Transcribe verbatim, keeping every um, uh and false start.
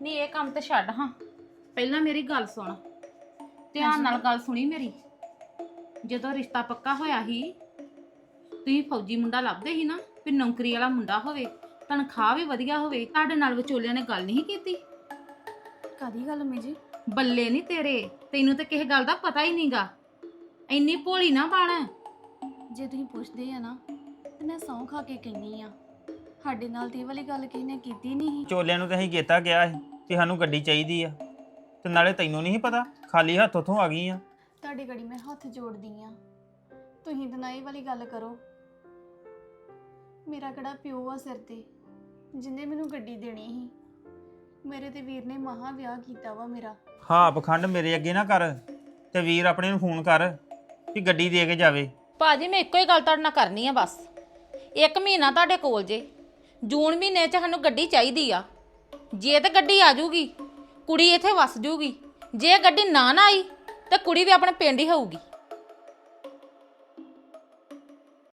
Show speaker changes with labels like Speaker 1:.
Speaker 1: ਨਹੀਂ ਇਹ ਕੰਮ ਤੇ ਛੱਡ ਹਾਂ, ਪਹਿਲਾਂ ਮੇਰੀ ਗੱਲ ਸੁਣ, ਧਿਆਨ ਨਾਲ ਗੱਲ ਸੁਣੀ ਮੇਰੀ। ਜਦੋਂ ਰਿਸ਼ਤਾ ਪੱਕਾ ਹੋਇਆ ਸੀ ਤੁਸੀਂ ਫੌਜੀ ਮੁੰਡਾ ਲੱਭਦੇ ਸੀ ਨਾ, ਵੀ ਨੌਕਰੀ ਵਾਲਾ ਮੁੰਡਾ ਹੋਵੇ, ਤਨਖਾਹ ਵੀ ਵਧੀਆ ਹੋਵੇ, ਤੁਹਾਡੇ ਨਾਲ ਵਿਚੋਲਿਆਂ ਨੇ ਗੱਲ ਨਹੀਂ ਕੀਤੀ?
Speaker 2: ਕਾਦੀ ਗੱਲ ਅੰਮੀ ਜੀ?
Speaker 1: ਬੱਲੇ ਨਹੀਂ ਤੇਰੇ, ਤੈਨੂੰ ਤੇ ਕਿਸੇ ਗੱਲ ਦਾ ਪਤਾ ਹੀ ਨਹੀਂਗਾ। ਇੰਨੀ ਭੋਲੀ ਨਾ ਬਣ।
Speaker 2: ਜੇ ਤੁਸੀਂ ਪੁੱਛਦੇ ਆ ਨਾ ਤੇ ਮੈਂ ਸਹੁੰ ਖਾ ਕੇ ਕਹਿੰਨੀ ਆ, ਸਾਡੇ ਨਾਲ ਤੇ ਇਹ ਵਾਲੀ ਗੱਲ ਕਿਸੇ ਨੇ ਕੀਤੀ ਨਹੀਂ।
Speaker 3: ਚੋਲਿਆਂ ਨੂੰ ਤੇ ਅਸੀਂ ਕੀਤਾ ਗਿਆ ਸੀ ਕਿ ਸਾਨੂੰ ਗੱਡੀ ਚਾਹੀਦੀ ਆ, ਤੇ ਨਾਲੇ ਤੈਨੂੰ ਨਹੀਂ ਪਤਾ, ਖਾਲੀ ਹੱਥ ਉੱਥੋਂ ਆ ਗਈ ਆ।
Speaker 2: ਤੁਹਾਡੀ ਗੜੀ ਮੈਂ ਹੱਥ ਜੋੜਦੀ ਆ, ਤੁਸੀਂ ਤਾਂ ਨਾ ਇਹ ਵਾਲੀ ਗੱਲ ਕਰੋ। ਮੇਰਾ ਕਿਹੜਾ ਪਿਓ ਆ ਸਿਰ ਤੇ ਜਿੰਨੇ ਮੈਨੂੰ ਗੱਡੀ ਦੇਣੀ ਸੀ? ਮੇਰੇ ਤੇ ਵੀਰ ਨੇ ਮਹਾ ਵਿਆਹ ਕੀਤਾ ਵਾ ਮੇਰਾ।
Speaker 3: ਹਾਂ ਪਖੰਡ ਮੇਰੇ ਅੱਗੇ ਨਾ ਕਰ, ਤੇ ਵੀਰ ਆਪਣੇ ਨੂੰ ਫੋਨ ਕਰ ਕਿ ਗੱਡੀ ਦੇ ਕੇ ਜਾਵੇ।
Speaker 1: ਭਾਜੀ ਮੈਂ ਇੱਕੋ ਹੀ ਗੱਲ ਤੁਹਾਡੇ ਨਾਲ ਕਰਨੀ ਆ ਬਸ। ਇੱਕ ਮਹੀਨਾ ਤੁਹਾਡੇ ਕੋਲ ਜੇ, ਜੂਨ ਮਹੀਨੇ 'ਚ ਸਾਨੂੰ ਗੱਡੀ ਚਾਹੀਦੀ ਆ। ਜੇ ਤੇ ਗੱਡੀ ਆ ਜੂਗੀ ਕੁੜੀ ਇੱਥੇ ਵਸ ਜੂਗੀ, ਜੇ ਗੱਡੀ ਨਾ ਨਾ ਆਈ ਤੇ ਕੁੜੀ ਵੀ ਆਪਣੇ ਪਿੰਡ ਹੀ ਹੋਊਗੀ।